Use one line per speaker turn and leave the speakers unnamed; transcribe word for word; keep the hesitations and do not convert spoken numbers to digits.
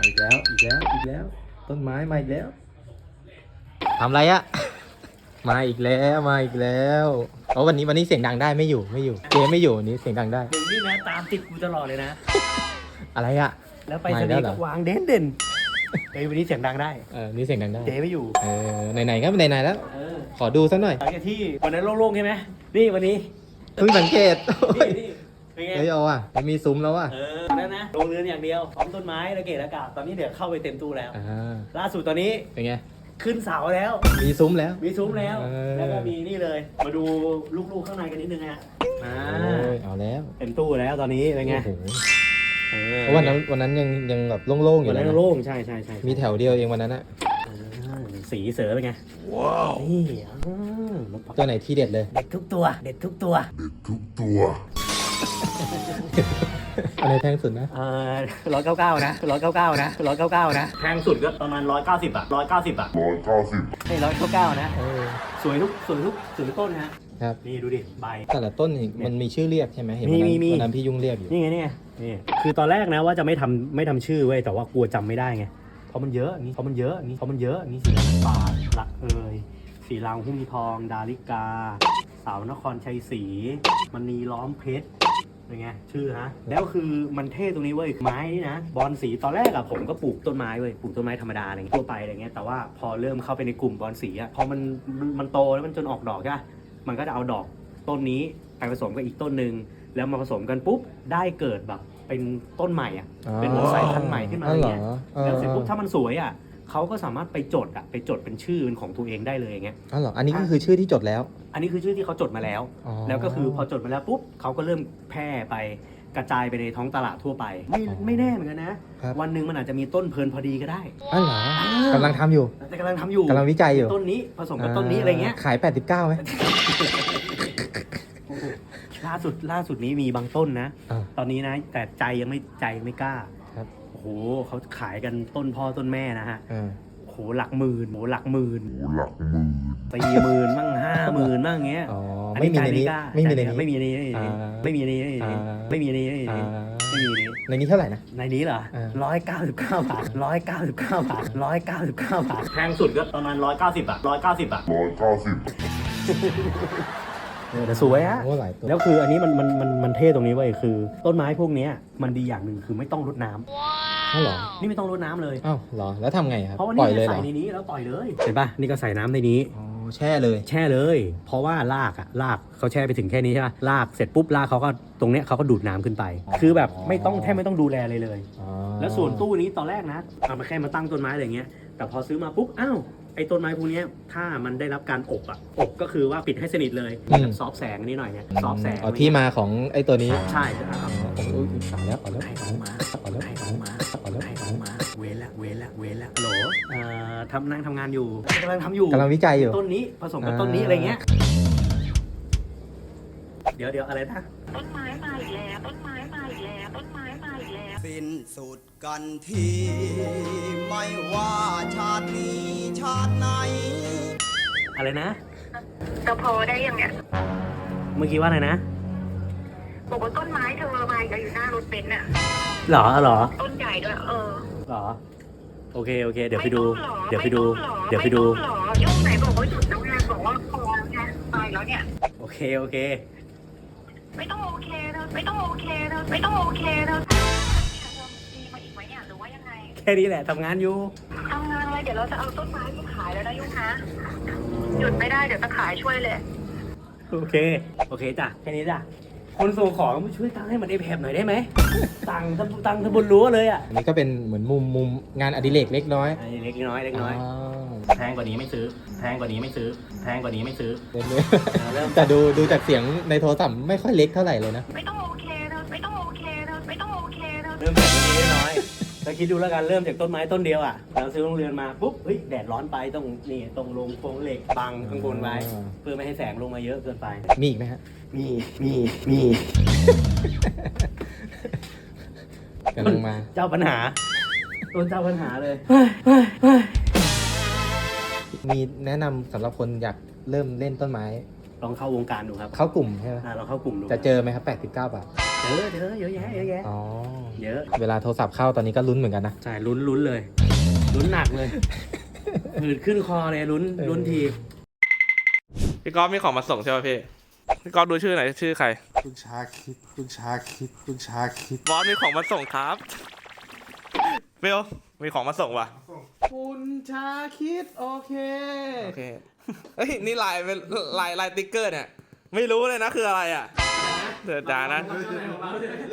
อีกแล้วอีกแล้วอีกแล้วต้นไม้มาอีกแล้วทำไรอะ มาอีกแล้วมาอีกแล้วเพราะวันนี้วันนี้เสียงดังได้ไม่อยู่ไม่อยู่เจ๊ไม่อยู่วันนี้เสียงดังได้
มึงนี่นะตามติดกูตลอดเลยนะ
อะไรอะ
แล้วไปสนีย์ก็วางเด่นเด่นเฮ้ยวันนี้เสียงดังได้
เออนี่เสียงดังได้
เจ๊ไม่อยู่
เออไหนๆก็ไหนๆแล้ว
เออ
ขอดูสักหน่อย
หลังจากที่วันนั้นโล่งๆใช่ไหมนี่วันนี้
เพิ่งสังเกต
นี่นี่เป็นไง
เฮ้ยเอาอ่ะมันมีซุ้มแล้วอ่ะ
เออนั่นนะลงเรือนอย่างเดียวพร้อมต้นไม้ระเกะระกาบตอนนี้เดี๋ยวเข้าไปเต็มตู้แล้ว
อ่า
ล่าสุดตอนนี้
เป็นไง
ขึ้นเสาแล้ว
มีซุ้มแล้ว
มีซุ้มแล้ว
เออ
แล้วก็มีนี่เลย มาดูลูกๆข้างในกันนิดนึงฮะอ่า
โอ้ยเอาแล้ว
เต็มตู้แล้วตอนนี้เป็นไง
โอ้โห
เออ
เพราะวันนั้นวันนั้นยังยังแบบโล่งๆอ
วั
ยู่
น
เล
นั้
ย
น
นะ
โล่งใช่ใช่ใช่
มีแถวเดียวเองวันนั้นอะ
อ่าสีเสือเป็นไงว้าวนี่อ่า
ตัวไหนที่เด็ดเลย
เด็ดทุกตัว เด็ดทุกตัว
อันไหนแพงสุดนะ
เออร้อยเก้าเก้านะร้อยเก้าเก้านะร้อยเก้าเก้านะแพงสุดก็ประมาณร้อยเก้าสิบอะร้อยเก้าสิบอะร้อยเก้าสิบให้ร้อยเก้าเก้านะ
เออ
สวยทุกสวยทุกสวยทุกต้นฮะ
ครับ
นี่ดูดิใบ
แต่ละต้นนี่มันมีชื่อเรียกใช่ไหมเห็นวันนั้น
มีมีมี
วันนั้นพี่ยุ่งเรียกอยู่
นี่ไงนี่ไงนี่คือตอนแรกนะว่าจะไม่ทำไม่ทำชื่อเว้ยแต่ว่ากลัวจำไม่ได้ไงเพราะมันเยอะนี่เพราะมันเยอะนี่เพราะมันเยอะนี่สีบาทหลักเอยสีรางหุ้มทอง ดาริกา สาวนครชัยศรีมณีล้อมเพชรเป็นไงชื่อฮะแล้วคือมันเท่ตรงนี้เว้ยไม้นี่นะบอลสีตอนแรกอะผมก็ปลูกต้นไม้เว้ยปลูกต้นไม้ธรรมดาอะไรเงี้ยทั่วไปอะไรเงี้ยแต่ว่าพอเริ่มเข้าไปในกลุ่มบอลสีอะพอมันมันโตแล้วมันจนออกดอกใช่ปะมันก็จะเอาดอกต้นนี้ไปผสมกับอีกต้นหนึ่งแล้วมาผสมกันปุ๊บได้เกิดแบบเป็นต้นใหม่อ่ะ เป็นเหมือนสายพันธุ์ใหม่ขึ้นมาอะไรเงี้ย
อ๋อเหรอ
แล้วเสร็จปุ๊บ
ออ
ถ้ามันสวยอ่ะเขาก็สามารถไปจดอ่ะไปจดเป็นชื่อเป็นของตัวเองได้เลยอย่างเงี้ย
อ๋อเหรออันนี้ก็คือชื่อที่จดแล้ว
อันนี้คือชื่อที่เขาจดมาแล้ว
อ๋อ
แล้วก็คือพอจดมาแล้วปุ๊บเขาก็เริ่มแพร่ไปกระจายไปในท้องตลาดทั่วไป ไม่
อ๋อ
ไม่แน่เหมือนกันนะ
ครับ
วันหนึ่งมันอาจจะมีต้นเพลินพอดีก็ได้
อ๋อเหรอกำลังทำอยู่
แต่กำลังทำอยู่
กำลังวิจัยอยู่
ต้นนี้ผสมกับต้นนี้อะไรเงี้ย
ขายแปดสิบเก้าไหม
ล่าสุดล่าสุดนี้มีบางต้นนะ
อ่า
ตอนนี้นะ แต่ใจยังไม่ใจยังไม่กล้า
ครับ
โอ้โหเขาขายกันต้นพ่อต้นแม่นะฮะ
อ่า
โอ้โหหลักหมื่นโอ้โหหลักหมื่น
หลักหมื่น
สี่หมื่นมั่งห้าหมื่นมั่งเงี้ย
อ๋อ
อั
ไม่มีในนี้
ใจกล้า
ไม่มีใน
ใจ
นี้
ไม่มีในนี้
อ่า
ไม่มีในนี้
อ่า
ไม่มีในนี้ไม่มีใน
อ่า
นี้ไม่มีในนี้
ในนี้เท่าไหร่นะ
ในนี้เหรอ
อ่า
ร้อยเก้าสิบเก้าบาทร้อยเก้าสิบเก้าบาทร้อยเก้าสิบเก้าบาทแพงสุดก็ประมาณร้อยเก้าสิบอะร้อยเก้าสิบอะ
ร้อยเก้าสิบ
แต่สวยฮะ
โอ้หลายตัว
แล้วคืออันนี้มันมันมันมันเท่ตรงนี้เว้ยคือ ต้นไม้พวกเนี้ยมันดีอย่างหนึ่งคือไม่ต้องรดน้ำ
อ้าวเหรอ
นี่ไม่ต้องรดน้ำเลย
อ้าวเหรอแล้วทำไงครับ
เพราะว่า
ปล่
นี่
อยเลยเหร
ใส่
อ
ในนี้แล้วปล่อยเลยเห็นปะนี่ก็ใส่น้ำในนี้
อ๋อแช่เลย
แช่เลย เพราะว่ารากอะรากเขาแช่ไปถึงแค่นี้ใช่ปะรากเสร็จปุ๊บรากเขาก็ตรงเนี้ยเขาก็ดูดน้ำขึ้นไป คือแบบไม่ต้องแทบไม่ต้องดูแลเลยเลย
อ๋อ
แล้วส่วนตู้นี้ตอนแรกนะเอามาแค่มาตั้งต้นไม้อะไรเงี้ยแต่พอซื้อมาปุ๊บอ้าวไอ้ต้นไม้พวกเนี้ยถ้ามันได้รับการอบอะอบก็คือว่าปิดให้สนิทเลยซอฟแสงนิดหน่อยเนี่ยซอฟแสง
อ๋อที่มาของไอ้ตัวนี้
ใช่ครับ
โอ้ยตายแล้วตายแล้ว
ให้เขามา
ตายแล้ว
ให้เขามาให้เขามาเว้นละเว้นละเว้นละฮัลโหลเอ่อทำนั่งทำงานอยู่กำลังทำอยู่
กำลังวิจัยอยู่
ต้นนี้ผสมกับต้นนี้อะไรเงี้ยเดี๋ยวเดี๋ยวอะไรนะ
ต้นไม้มาอีกแล้วต้นไม้มาอีกแล้วต้นไม้มาอีกแล้ว
สิ้นสุดกันทีไม่ว่าชาตินี้ชาติไหน
อะไรนะ
จะพอได้ยังเนี่ย
เมื่อกี้ว่าอะไรนะ
บอกว่าต้นไม้เธอมาอีกแล้วอยู่หน้ารถเบนซ์น่ะ
หรอหรอ
ต้นใหญ่ด้วยเออ
หรอโอเคโอเค เดี๋ยวไปดู
ม่ต้องหรอ
เดี๋ยวไปดู
ม่ต้องหรอ
เดี๋ยวไปดู
ม่ต้องหรอยุ่งไหนบอกว่าหยุดแล้วไงบอกว่าพอแล้วไงไปแล้วเนี่ย
โอเคโอเค
ไม่ต้องโอเคเธอไม่ต้องโอเคเธอไม่ต้องโอเคเธอมีมาอีกไหมเนี่ยหรือว่ายังไง
แค่นี้แหละทำงานอยู่
ทำงานอะไรเดี๋ยวเราจะเอาต้นไม้มาขายแล้วนะยุ่งนะหยุดไม่ได้เดี๋ยวจะขายช่วยเลย
โอเคโอเคจ้ะแค่นี้จ้ะคนส่งของมาช่วยตั้งให้มันได้แผบหน่อยได้ไหมตั้งทั้งตั้งทั้งบนรั้วเลยอ่ะ
อันนี้ก็เป็นเหมือนมุมมุมงานอดิเรกเล็กน้อย
อันนี้เล็กน้อยเล็กน้อย
อ๋อ
แพงกว่านี้ไม่ซื้อแพงกว่านี้ไม่ซื้อแพงกว่านี้ไม่ซื้อ
เล็ก
เริ่ม
ๆแต่ดูดูจากเสียงในโทรศัพท์ไม่ค่อยเล็กเท่าไหร่เลยนะ
ไม่ต้องโอเคเธอไม่ต้องโอเคเธอไม่ต้องโอเคเธอ
เริ่มจากตรงนี้น้อยแล้วคิดดูแล้วกันเริ่มจากต้นไม้ต้นเดียวอ่ะเราซื้อโรงเรือนมาปุ๊บเฮ้ยแดดร้อนไปต้องนี่ตรงลงโครงเหล็กบังข้างบนไว้
อ่า
เพื่อไม่ให้แสงลงมาเยอะเกินไป
มีอีกไหมฮะ
มีมีมี
กำลังมา
เจ้าปัญหาต้นเจ้าปัญหาเลย
มีแนะนำสำหรับคนอยากเริ่มเล่นต้นไม้
ลองเข้าวงการดูครับ
เข้ากลุ่มใช่ไหม
อ่าเราเข้ากลุ่มดู
จะเจอไหมครับแปดสิบเก้าบาท
เจอเจอเยอะแยะเยอะแยะ
อ๋อ
เยอะ
เวลาโทรศัพท์เข้าตอนนี้ก็ลุ้นเหมือนกันนะ
ใช่ลุ้นลุ้นเลยลุ้นหนักเลยหืดขึ้นคอเลยลุ้นลุ้นที
พี่ก๊อฟมีของมาส่งใช่ไหมพี่ พี่ก๊อฟดูชื่อไหนอยชื่อใคร
คุณชาคิดคุณชาคิดคุณชาคิด
บอสมีของมาส่งครับเบลมีของมาส่งว่ะ
คุณชาคิดโอเค
โอเค เฮ้ย นี่ลายเป็นลายลายติ๊กเกอร์เนี่ย ไม่รู้เลยนะคืออะไรอ่ะเดือดดานะ